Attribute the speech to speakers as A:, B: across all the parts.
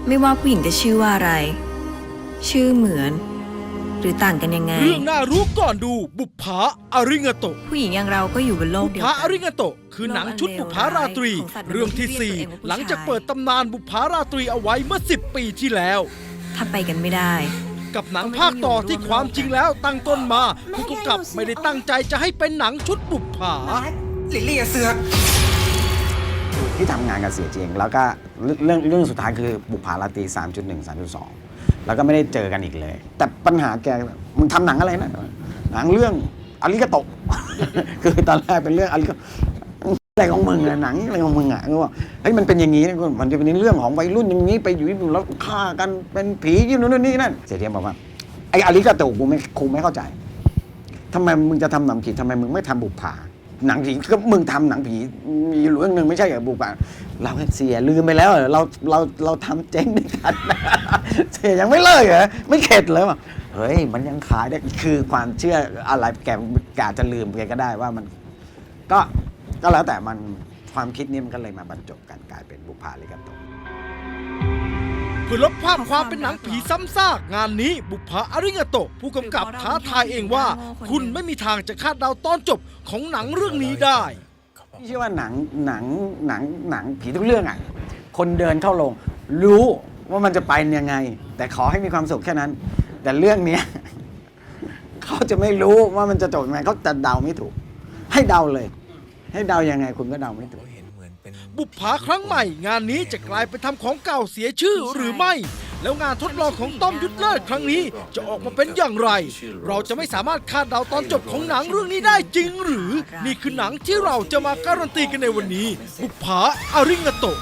A: ไม่ว่าผู้หญิงจะชื่อว่าอะไร ชื่อเหมือน หรือต่างกันยังไง
B: เรื่องน่ารู้ก่อนดูบุปผาอาริงาโตะ
A: ผู้หญิงอย่างเราก็อยู่บนโลก
B: บุป
A: เดียว
B: ผา
A: กั
B: อาน ริงาโตะคือหนังชุดบุปผาราตรี เรื่องที่ 4 หลังจากเปิดตำนานบุปผาราตรีเอาไว้เมื่อ 10 ปีที่แล้ว
A: ถ้าไปกันไม่ได้
B: กับหนังภาคต่อที่ความจริงแล้วตั้งต้นมาผู้กำกับไม่ได้ตั้งใจจะให้เป็นหนังชุดบุปผา
C: ลิลลี่เสือก
D: ที่ทำงานกับเสียเจงแล้วก็เรื่องสุดท้ายคือบุปผาราตรี 3.1 3.2 แล้วก็ไม่ได้เจอกันอีกเลย แต่ปัญหาแกมึงทำหนังอะไรนะหนังเรื่องอาริกาโตะ คือตอนแรกเป็นเรื่องอาริกาอะไรของมึงอะหนังอะไรของมึงอะก็ว่าเฮ้ยมันเป็นอย่างนี้นะมันจะเป็นเรื่องของวัยรุ่นอย่างนี้ไปอยู่ญี่ปุ่นแล้วฆ่ากันเป็นผีอยู่นู่นนี่นั่นเสียเจงบอกว่าไอ้อาริกาโตะกูไม่เข้าใจทำไมมึงจะทำหนังผีทำไมมึงไม่ทำบุปผาหนังผีก็มึงทำหนังผีมีเรื่องหนึ่งไม่ใช่เหรอบุปผาเราเสียลืมไปแล้วเหรอเราทำเจ๊งด้วยกัน เสียยังไม่เลิกเหรอไม่เข็ดเลยว่ะเฮ้ยมันยังขายได้คือความเชื่ออะไรแกอาจจะลืมแกก็ได้ว่ามันก็แล้วแต่มันความคิดนี้มันก็เลยมาบรรจบกันกลายเป็นบุปผาอาริกาโตะ
B: เพื่อลบภาพความเป็นหนังผีซ้ำซากงานนี้บุปผาอาริงาโตะผู้กำกับท้าทายเองว่า คุณไม่มีทางจะคาดเดาตอนจบของหนังเรื่องนี้ได้
D: พี่เชื่อว่าหนังผีทุกเรื่องอ่ะคนเดินเข้าโรงรู้ว่ามันจะไปยังไง แต่ขอให้มีความสุขแค่นั้น แต่เรื่องเนี้ย เขาจะไม่รู้ว่ามันจะจบยังไงเขาจะเดาไม่ถูก ให้เดาเลย ให้เดายังไงคุณก็เดาไม่ถูก
B: บุปผาครั้งใหม่งานนี้จะกลายเป็นทำของเก่าเสียชื่อหรือไม่ แล้วงานทดลองของต้อมยุทธเลิศครั้งนี้จะออกมาเป็นอย่างไร เราจะไม่สามารถคาดเดาตอนจบของหนังเรื่องนี้ได้จริงหรือ นี่คือหนังที่เราจะมาการันตีกันในวันนี้ บุปผาอาริงาโตะ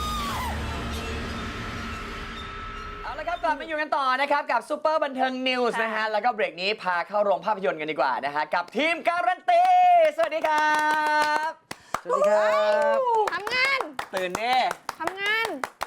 E: เอาละครับกลับมาอยู่กันต่อนะครับกับซูเปอร์บันเทิงนิวส์นะฮะแล้วก็เบรกนี้พาเข้าโรงภาพยนตร์กันดีกว่านะฮะกับทีมการันตีสวัสดีครับ
D: สวัสดีครับ
F: ทำงาน
E: ตื่นเน่
F: ทำงาน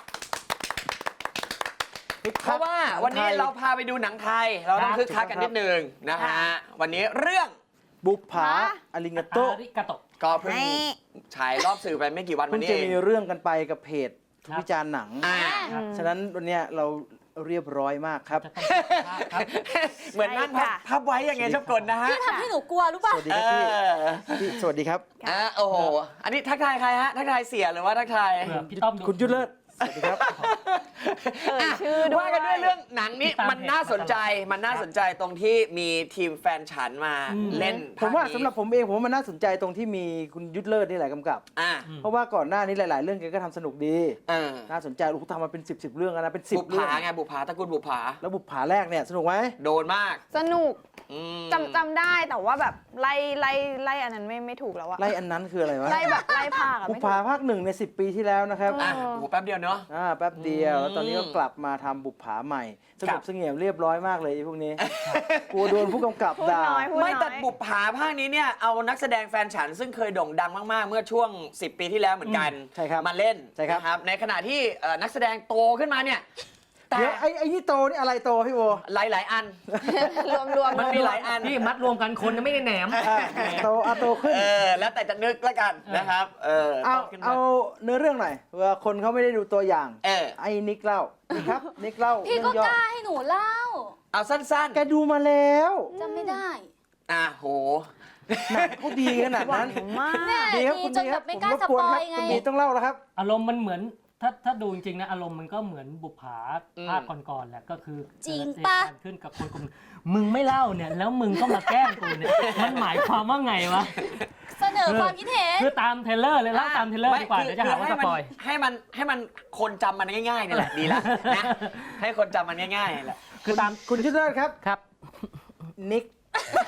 E: เพราะว่าวันนี้เราพาไปดูหนังไทย เราต้องคึกคักกันนิดนึงนะฮะวันนี้เรื่อง
G: บุปผาอาริงาโตะ
E: ก็เพิ่งฉายรอบสื่อไปไม่กี่วันมา
G: เพิ่ง
E: นี้
G: จะ
E: เอง
G: มีเรื่องกันไปกับเพจวิจารณ์หนัง
E: อ่า
G: ฉะนั้นวันเนี้ยเราเรียบร้อยมากครับ
E: เหมือนนั่งพับไว้ยังไงชอบกลนะฮะ
F: พี่ทำให้หนูกลัวรู้ป่ะ
G: สวัสดีครับพี่สวัสดีครับ
E: โอ้โหอันนี้ทักทายใครฮะทักทายเสียหรือว่าทักทาย
H: พี่ต้อมดู
G: คุณยุทธเลิศสวัสดีครับ
F: ชื่อด้วย
E: ว่ากันด้วยเรื่องหนังนี้มันน่าสนใจตรงที่มีทีมแฟนฉันมาเล่น
G: ผมว่า
E: ภคนี้
G: สำหรับผมเองผมว่ามันน่าสนใจตรงที่มีคุณยุทธเลิศนี่แหละกำกับ
E: อ่ะ
G: เพราะว่าก่อนหน้านี้หลาย ๆ เรื่องแกก็ทำสนุกดี
E: เออ
G: น่าสนใจโอ้โหทำมาเป็น10 เรื่องแล้วนะเป็น
E: บุ
G: 10
E: ป
G: เรื่อง
E: ผาไงบุปผาตระกูลบุปผา
G: แล้วบุปผาแรกเนี่ยสนุกไหม
E: โดนมาก
F: สนุก
E: อืม
F: จำได้แต่ว่าแบบไล่อันนั้นไม่ถูกแล้วอะ
G: ไล่อันนั้นคืออะไรวะ
F: ไล่แบบไล่ภาคอะ
G: บุป
F: ไม่
G: ผา
F: ถูก
G: ภาค1ใน10 ปีที่แล้วนะครับ
E: อ่ะโอ้โหแป๊บเดียวเนาะ
G: แป๊บเดียวแล้วตอนนี้ก็กลับมาทำบุปผาใหม่สงบเสงี่ยมเรียบร้อยมากเลยไอ้พวกนี้ กลัวโดนผู้กำกับ
F: พูด
G: ด่า
F: น้อยพูด
E: ไม่
F: น้
E: แต่
F: อย
E: บุปผาภาคนี้เนี่ยเอานักแสดงแฟนฉันซึ่งเคยโด่งดังมากๆ เมื่อช่วง 10 ปีที่แล้วเหมือนกัน
G: ใช่ครับ
E: มาเล่น
G: ใช่ครับ
E: นะครับในขณะที่นักแสดงโตขึ้นมาเนี่ยแต่
G: เดี๋ยวไอ้นี่โตนี่อะไรโตพี่โบ
E: หลายๆอัน
F: รวม
E: มันมีหลายอัน
H: พี่มัดรวมกันคนยังไม่ได้แหนม
G: โตขึ้น
E: แล้วแต่จะนึกแล้วกันนะครับโตขึ้นมา
G: เอาเนื้อเรื่องหน่อยเผื่อคนเขาไม่ได้ดูตัวอย่าง ไอ้นิกเล่านี่ครับนิกเล่า
F: พี่ก็
G: เรื่องย่
F: กล้าให้หนูเล่า
E: เอาสั้น
G: แกดูมาแล้ว
F: จำไม่ได้
E: โห
G: หนังเขาดีขนาดนั้น
F: มาก
G: ดีครับคุณดีครับผมรบกวนครับคุณดีต้องเล่าแล้วครับ
H: อารมณ์มันเหมือนถ้าดูจริงๆนะอารมณ์มันก็เหมือนบุปผาภาคก่อนๆแหละก็คือ
F: จริง
H: เกิด
F: ปะ
H: เหตุการณ์ขึ้นกับคนกลุ่มมึงไม่เล่าเนี่ยแล้วมึงก็มาแกล้งกูเนี่ยมันหมายความว่าไงวะ
F: เสนอความคิดเห็น
H: คือตามเทรลเลอร์เลยเล่าตามเทรลเลอร์ดีกว่าเดี๋ยวจะหาว่าสปอย
E: ให้มันคนจำมันง่ายๆนี่แหละดีแล้วนะให้คนจำมันง่ายๆแหละ
H: คือตาม
G: คุณชุดเลิศครับ
H: ครับ
G: นิก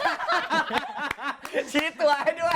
E: ชี้ตัวให้ด้วย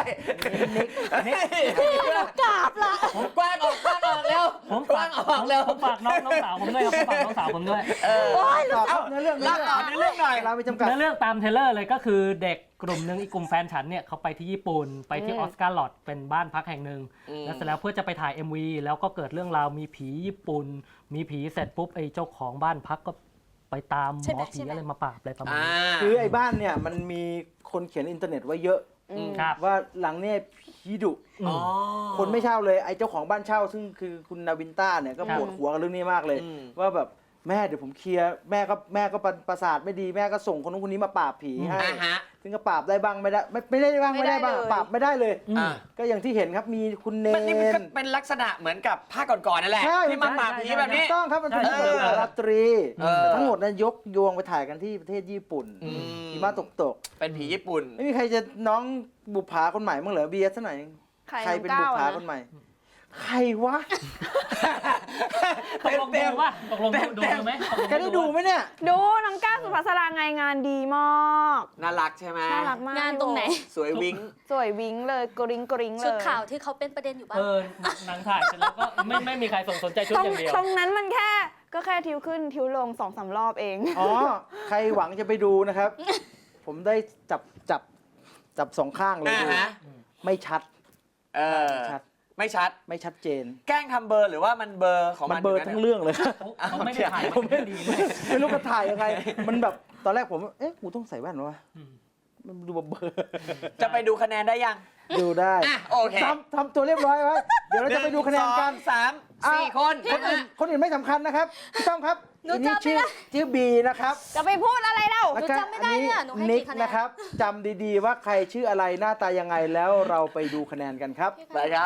F: กราบละ
E: กว้างออกเร็ว
H: ผม
E: กว้างออกเร็ว
H: ผมฝากน้องสาวผมด้วยครับผมฝากน้องสาวผมด้วย
G: ต่อครับเนื้อเรื่อง
E: เล่าต่อในเรื่องหน่อย
G: เราไม่จำกัด
H: เนื้อเรื่องตามเทรลเลอร์เลยก็คือเด็กกลุ่มหนึ่งอีกกลุ่มแฟนฉันเนี่ยเขาไปที่ญี่ปุ่นไปที่ออสการ์ลอดเป็นบ้านพักแห่งหนึ่งแล้วเสร็จแล้วเพื่อจะไปถ่าย MV แล้วก็เกิดเรื่องราวมีผีญี่ปุ่นมีผีเสร็จปุ๊บไอ้เจ้าของบ้านพักก็ไปตามหมอผีอะไรมาปราบอะไรประมาณนี้
G: คือไอ้บ้านเนี่ยมันมีคนเขียนอินเทอร์เน็ตไว้เยอะ
H: ครับ
G: ว่าหลังเนี่ยผีดุ
E: อ๋อ
G: คนไม่เช่าเลยไอ้เจ้าของบ้านเช่า ซึ่งคือคุณนาวินต้าเนี่ยก็ปวดหัวกับเรื่องนี้มากเลย ว่าแบบแม่เดี๋ยวผมเคลียร์แม่ก็ประสาทไม่ดีแม่ก็ส่งคนนู้นคนนี้มาปราบผีให้
E: อ่าฮะ
G: ซึ่งก็ปราบได้บ้างไม่ได้ไม่ได้บ้างไม่ได้บ้าง
F: ไม่ได้เลย
G: ปราบไม่ได้เลย
E: อ่า
G: ก็อย่างที่เห็นครับมีคุณเน
E: มันนี่มันก็
G: น
E: เป็นลักษณะเหมือนกับภาคก่อนๆนั่นแหละ
G: ใช่
E: ที่มาปราบผีแบบนี้
G: ถูกต้องครับมันเป็น
E: เออ
G: บุพราตรี
E: เออ
G: แต่ทั้งหมดนั้นยกโยงไปถ่ายกันที่ประเทศญี่ปุ่น
E: อืม
G: หิมะตก
E: เป็นผีญี่ปุ่น
G: ไม่มีใครจะน้องบุปผาคนใหม่มั้งเหรอเบียร์ซะหน่อย
F: ใคร
G: เป็น
F: น้อง
G: บุ
F: ก้าว
G: ปผา
F: อะนะ
G: คนใหม่ ใครวะ
H: ตกลงดูป่ะตกลงดูไหมตกลง
G: แกได้ดูไหมเนี่ย
F: ดูน้องก้าวสุภัสราไงงานดีมาก
E: น่ารักใช่ไหม
F: น่ารักมาก
C: งานตรงไหน
E: สวยวิ้ง
F: สวยวิ้งเลยกริ้งกริ้งเลย
C: ชุดข่าวที่เขาเป็นประเด็นอยู่บ้าง
H: หนังถ่ายเสร็จแล้วก็ไม่มีใครสนใจชุด
F: ตรง
H: อย่างเดียว
F: ตรงนั้นมันแค่ก็แค่ทิวขึ้นทิวลง2-3 รอบเอง
G: อ๋อ ใครหวังจะไปดูนะครับ ผมได้จับสองข้างเลย
E: อ่า
G: ดู
E: ฮะ
G: ไม่ชัด
E: เออ
G: ไม่ชัด
E: ไม่ชัด
G: ไม่ชัดเจน
E: แกล้งทำเบอร์หรือว่ามันเบอร์ของ
G: มั
E: มัน น
G: เบลอร์
E: ยู่
G: ทั้
E: นั่
G: ง
E: น
G: เรื่องเลย
H: เขาไม่ได้ถ่ายมาดีเลย
G: ไม่รู้จะถ่ายยังไง มันแบบตอนแรกผมเอ๊ะกูต้องใส่แว่นวะ
H: อืม
G: มันดูเบลอร์
E: จะไปดูคะแนนได้ยัง
G: ดูได้
E: อ่ะโอเค
G: ทำตัวเรียบร้อยไว้เดี๋ยวเราจะไปดูคะแนนกัน
E: 1 2 3 4 คน
G: คนอื่นไม่สำคัญนะครับพี่ต้องครับ
C: หนู
G: อันนี้
C: จำไม่ได้
G: ชื่อบีนะครับ
F: จะไปพูดอะไรเล่า
G: แล้วก็
C: จำไม่ได้เนี่ยหนูให้
G: นิก
C: กี่คะแนน
G: นะครับจำดีๆว่าใครชื่ออะไรหน้าตายังไงแล้วเราไปดูคะแนนกันครับ
E: ไปครับ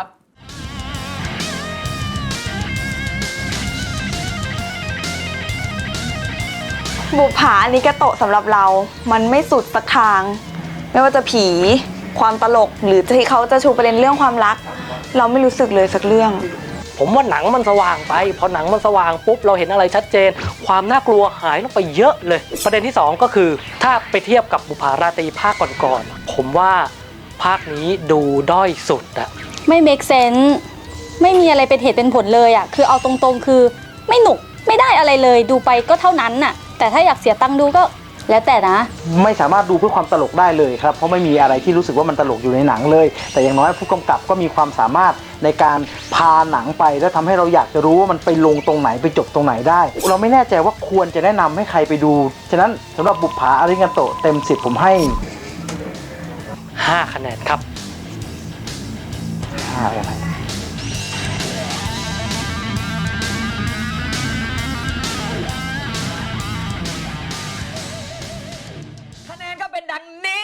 F: บุปผาอันนี้กระโตะสำหรับเรา มันไม่สุดสักทาง ไม่ว่าจะผี ความตลก หรือที่เขาจะชูประเด็นเรื่องความรัก เราไม่รู้สึกเลยสักเรื่อง
H: ผมว่าหนังมันสว่างไป พอหนังมันสว่างปุ๊บเราเห็นอะไรชัดเจน ความน่ากลัวหายลงไปเยอะเลย ประเด็นที่ 2 ก็คือ ถ้าไปเทียบกับบุปผาราตรีภาคก่อนๆผมว่าภาคนี้ดูด้อยสุดอะ
C: ไม่ make sense ไม่มีอะไรเป็นเหตุเป็นผลเลยอ่ะ คือเอาตรงๆ คือไม่หนุกไม่ได้อะไรเลย ดูไปก็เท่านั้นน่ะ แต่ถ้าอยากเสียตังค์ดูก็แล้วแต่นะ
G: ไม่สามารถดูเพื่อความตลกได้เลยครับ เพราะไม่มีอะไรที่รู้สึกว่ามันตลกอยู่ในหนังเลย แต่อย่างน้อยผู้กำกับก็มีความสามารถในการพาหนังไปแล้วทำให้เราอยากจะรู้ว่ามันไปลงตรงไหนไปจบตรงไหนได้ เราไม่แน่ใจว่าควรจะแนะนำให้ใครไปดู ฉะนั้นสำหรับบุปผาอาริงาโตะเต็ม10ผมให้
H: 5 คะแนนครับ
G: 5อะไร
E: คะแนนก็เป็นดังนี้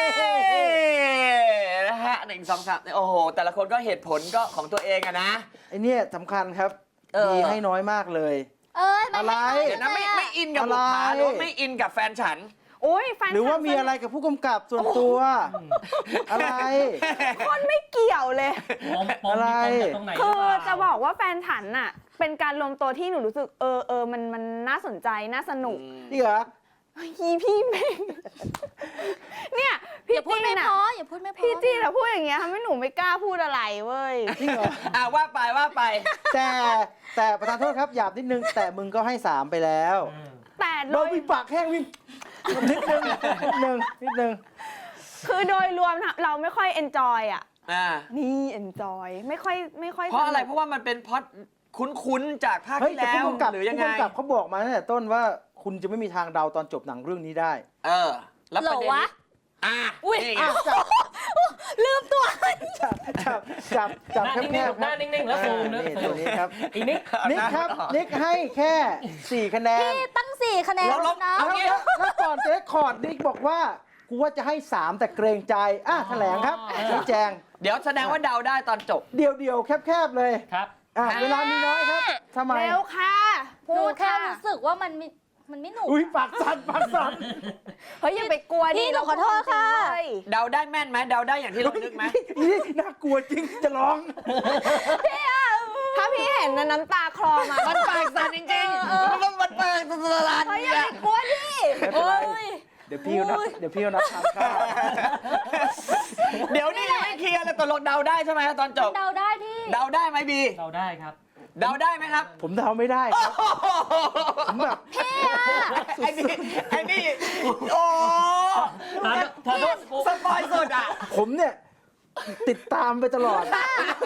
E: นะฮะ1 2 3โอ้โห แต่ละคนก็เหตุผลก็ของตัวเองอะนะ
G: ไอเนี่ยสำคัญครับ
E: เออ
G: ดีให้น้อยมากเลย
C: เอ้ย
G: อะไร
E: เดี๋ยวนะไม่อินกับบุปผาหรือว่าไม่อินกับแฟนฉัน
F: โอ้ยแฟน
G: หรือว่ามีอะไรกับผู้กำกับส่วนตัว อะไร
F: คนไม่เกี่ยวเลย
G: อะไร
H: ตรงไหน
F: คือจะบอกว่าแฟนฉันน่ะ เป็นการรวมตัวที่หนูรู้สึกมันน่าสนใจน่าสนุก
G: นี่เหรอ
F: ฮีพี่เมงเนี่ย
C: อ
F: พี่
C: ย่าพูด
F: จี
C: ไม่
F: น
C: พ
F: อะ
C: ออย่าพูดไม่พอ
F: พี่จีนอะพูดอย่างเงี้ยทำให้หนูไม่กล้าพูดอะไรเว้ย
G: จริงเหรอ
E: ว่าไป
G: แต่ประธานโทษครับหยาบนิดนึง แต่มึงก็ให้ 3 ไปแล้ว
F: แต่โด
G: เรา
F: ย
G: มีปากแห้งวิ่งนิดนึง
F: คือโดยรวมเราไม่ค่อยเอนจอยอะ
E: อ่า
F: นี่เอนจอยไม่ค่อย
E: เพราะอะไร
F: สนุก
E: เพราะว่ามันเป็นพล็อดคุ้นๆจากภาค
G: เฮ้ย
E: ที่
G: แต่
E: แล้ว
G: ผู้กำกับ
E: หรือยังไง
G: ผู้กำกับเขาบอกมาตั้งแต่ต้นว่าคุณจะไม่มีทางเดาตอนจบหนังเรื่องนี้ได้
E: เออ แล้ว
C: เหร
E: ประ
C: อ
E: เด็น
C: วะ
E: นี้อ่ะ
C: อุ๊ย
E: นี่ไง
C: ลืมตัว
G: จับ
H: หน้า
G: แค
H: นิ่ง
G: บ
H: ๆหน้านิ่งๆแล้วซูมนะ
G: นี่ตัวนี้ครับ
H: อีนิก
G: นิกครับ นิกให้แค่ 4 คะแนน
C: พี่ตั้ง 4 คะแนน
E: เราลบ
C: นะ
E: เอางี้
G: แล้วก่อนจะได้คอร์ดนิกบอกว่า กูว่าจะให้ 3 แต่เกรงใจ แถลงครับชี้แจง
E: เดี๋ยวแสดงว่าเดาได้ตอนจบ
G: เดียวแคบๆเลย
H: ครับ
G: เวลามีน้อยครับทำไม
F: เร็วค่ะ
C: หนู
F: พูด
C: แค่
F: ค่ะ
C: รู้สึกว่ามันไม่หนุก
G: อุ้ยปากสั่น
F: เฮ้ยอย่าไปกลัวดิ
C: พี่หนูขอโทษค่ะ
F: เฮ้ย
E: เดาได้แม่นไหมเดาได้อย่างที่เรานึกไหม
G: นี่น่ากลัวจริงจะร้อง
F: ถ้าพี่เห็นนะน้ำตาคลอมา
E: มันปากสั่นจริงๆมันปากสั่น
F: เฮ้ยอย่าไปกลัวดิ
G: ไม่เป็นไรเดี๋ยวพี่เอานับทานข้าว
E: เดี๋ยวนี่ยังไม่เคลียร์เลยตกลงเดาได้ใช่ไหมตอนจบ
C: เดาได้ที่
E: เดาได้ไหมบี
H: เราได้ครับ
E: เดาได้ไหมครับ
G: ผมเดาไม่ได้ครับ ผมแบบ
E: ไอ้นี่โอ้
H: ถามโทษ
E: สปอยสุดอ่ะ
G: ผมเนี่ยติดตามไปตลอด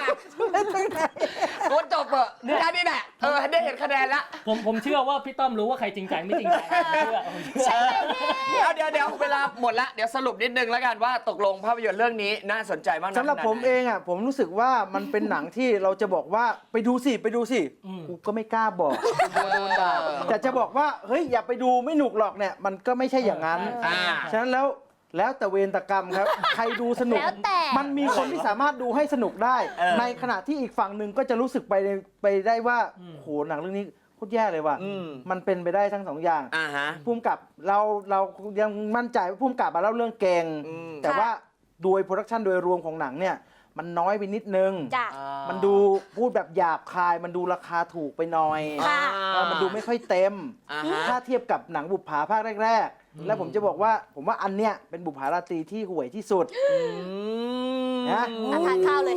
E: โคตรจบเหอะแค่นี้แหละได้เห็นคะแนนละ
H: ผมเชื่อว่าพี่ต้อมรู้ว่าใครจริงใจไม่จริงใจผมเชื่อ
E: เดี๋ยวเวลาหมดละเดี๋ยวสรุปนิดนึงแล้วกันว่าตกลงภาพยนตร์เรื่องนี้น่าสนใจมากน้อย
G: สำหรับ
E: ขนาด
G: ผม
E: ไหน
G: เองอ่ะผมรู้สึกว่ามันเป็นหนังที่เราจะบอกว่าไปดูสิกูก็ไม่กล้าบอกโดนด่าแต่จะบอกว่าเฮ้ยอย่าไปดูไม่หนุกหรอกเนี่ยมันก็ไม่ใช่อย่างนั้น ฉะนั้นแล้วแต่เวรตกรรมครับ ใครดูสนุก
C: แล้วแต่
G: มันมีคนที่สามารถดูให้สนุกได้ ในขณะที่อีกฝั่งหนึ่งก็จะรู้สึกไปได้ว่าโหหนังเรื่องนี้โคตรแย่เลยว่ะมันเป็นไปได้ทั้งสองอย่าง
E: ฮะ
G: ภูมิกับเรายังมั่นใจว่าภูมิกับมาเล่าเรื่องเก่งแต่ว่าโดยโปรดักชันโดยรวมของหนังเนี่ยมันน้อยไปนิดนึง
C: จ้ะ
G: มันดูพูดแบบหยาบคาย มันดูราคาถูกไปหน่อย
C: ค่ะ
G: มันดูไม่ค่อยเต็ม
E: อ่าฮะ
G: ถ้าเทียบกับหนังบุปผาภาคแรกๆ แล้วผมจะบอกว่าผมว่าอันเนี้ยเป็นบุปผาราตรีที่ห่วยที่สุดนะ
C: ทานข้าวเลย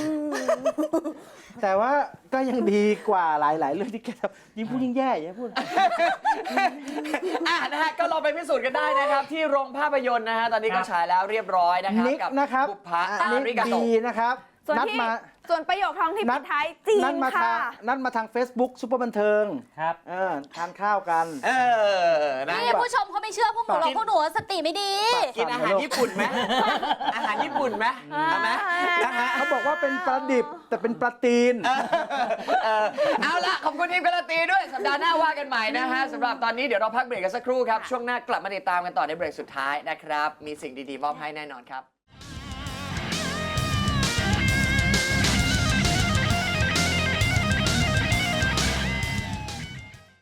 G: แต่ว่าก็ยังดีกว่าหลายๆเรื่องที่แกทำยิ่งพูดยิ่งแย่อย่าพูด
E: นะฮะก็ลองไปพิสูจน์กันได้นะครับ ที่โรงภาพยนตร์นะฮะตอนนี้ก็ฉายแล้วเรียบร้อยนะครับ
G: นิก
E: กับ
G: นะครับ
E: บุปผา
G: นิก
E: ริกาโต
G: ดีนะครับ
F: ส่วน
G: นัด
F: ที่
G: มา
F: ส่วนประโยคท้องที่ปิดท้ายจีน
G: นัดมา
F: ค่ะ
G: นัดมาทาง Facebook ซุปเปอร์บันเทิง
H: ครับ
G: ทานข้าวกัน
E: นะ
C: นี่ผู้ชมเขาไม่เชื่อพวกหนูหรอกพวกหนูสติไม่ดี
E: กินอาหารญี่ปุ่นไหมอาหารญี่ปุ่นไหมเอาไหมนะฮะ
G: เขาบอกว่าเป็นปลาดิบแต่เป็นปลาตีน
E: เอาละขอบคุณทีมการันตีด้วยสัปดาห์หน้าว่ากันใหม่นะฮะสำหรับตอนนี้เดี๋ยวเราพักเบรกกันสักครู่ครับช่วงหน้ากลับมาติดตามกันต่อในเบรกสุดท้ายนะครับมีสิ่งดีๆมอบให้แน่นอนครับ